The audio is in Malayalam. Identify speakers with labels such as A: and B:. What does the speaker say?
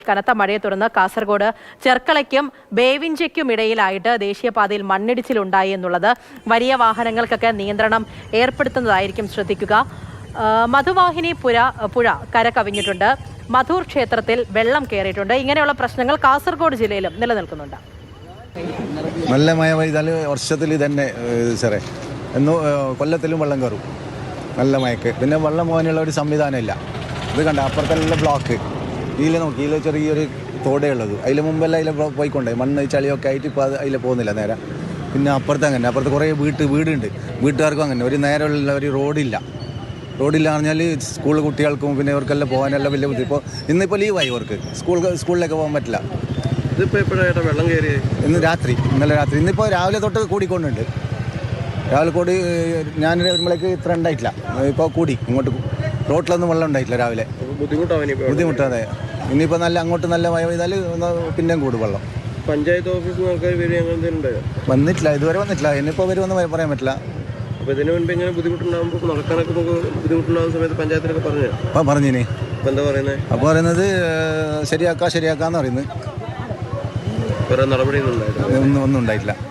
A: കനത്ത മഴയെ തുടർന്ന് കാസർഗോഡ് ചെർക്കളയ്ക്കും ബേവിഞ്ചയ്ക്കും ഇടയിലായിട്ട് ദേശീയപാതയിൽ മണ്ണിടിച്ചിലുണ്ടായി എന്നുള്ളത് വലിയ വാഹനങ്ങൾക്കൊക്കെ നിയന്ത്രണം ഏർപ്പെടുത്തുന്നതായിരിക്കും. ശ്രദ്ധിക്കുക. മധുവാഹിനി പുഴ കര കവിഞ്ഞിട്ടുണ്ട്. മധൂർ ക്ഷേത്രത്തിൽ വെള്ളം കയറിയിട്ടുണ്ട്. ഇങ്ങനെയുള്ള പ്രശ്നങ്ങൾ കാസർഗോഡ് ജില്ലയിലും നിലനിൽക്കുന്നുണ്ട്.
B: നല്ല മഴ പെയ്താൽ വർഷത്തിൽ തന്നെ സാറേ കൊല്ലത്തിലും വെള്ളം കയറും നല്ല മഴക്ക്. പിന്നെ വെള്ളം പോകാനുള്ള ഒരു സംവിധാനമില്ല. ഇത് കണ്ട അപ്പുറത്തെല്ലാം ബ്ലോക്ക്. ഇതിൽ നോക്കി ഇതിൽ ചെറിയൊരു തോടേ ഉള്ളത്. അതിൽ മുമ്പെല്ലാം അതിൽ പോയിക്കൊണ്ടേ മണ്ണ് ചളിയൊക്കെ ആയിട്ട് ഇപ്പോൾ അതിൽ പോകുന്നില്ല നേരെ. പിന്നെ അപ്പുറത്ത് അങ്ങനെ അപ്പുറത്ത് കുറേ വീടുണ്ട്. വീട്ടുകാർക്കും അങ്ങനെ ഒരു നേരെയുള്ള ഒരു റോഡില്ല പറഞ്ഞാൽ സ്കൂൾ കുട്ടികൾക്കും പിന്നെ ഇവർക്കെല്ലാം പോകാനെല്ലാം വലിയ ബുദ്ധി. ഇപ്പോൾ ഇന്നിപ്പോൾ ലീവായി ഇവർക്ക് സ്കൂളിലേക്ക് പോകാൻ പറ്റില്ല.
C: ഇതിപ്പോൾ എപ്പോഴായിട്ട് വെള്ളം കയറി?
B: ഇന്നലെ രാത്രി. ഇന്നിപ്പോൾ രാവിലെ തൊട്ട് കൂടിക്കൊണ്ടുണ്ട്. രാവിലെ കൂടി ഞാൻ വരുമ്പോഴേക്ക് ഇത്ര ഉണ്ടായിട്ടില്ല. ഇപ്പോൾ കൂടി ഇങ്ങോട്ട് റോട്ടിലൊന്നും വെള്ളം ഉണ്ടായിട്ടില്ല രാവിലെ. ബുദ്ധിമുട്ടാതെ ഇനിയിപ്പോൾ അങ്ങോട്ട് നല്ല മഴ പെയ്താൽ പിന്നെയും കൂടും വെള്ളം.
C: പഞ്ചായത്ത് ഓഫീസിൽ
B: വന്നിട്ടില്ല, ഇതുവരെ വന്നിട്ടില്ല. ഇനിയിപ്പോൾ വരുമെന്ന് പറയാൻ പറ്റില്ല.
C: അപ്പോൾ ഇതിന് മുൻപ് ഇങ്ങനെ ബുദ്ധിമുട്ടുണ്ടാകുമ്പോൾ നടക്കാനൊക്കെ നമുക്ക് ബുദ്ധിമുട്ടുണ്ടാകുന്ന സമയത്ത് പഞ്ചായത്തിലൊക്കെ
B: പറഞ്ഞിനി.
C: അപ്പോൾ എന്താ പറയുന്നത്?
B: അപ്പോൾ പറയുന്നത് ശരിയാക്കാന്ന് പറയുന്നത്.
C: വേറെ നടപടിയൊന്നും
B: ഒന്നും ഉണ്ടായിട്ടില്ല.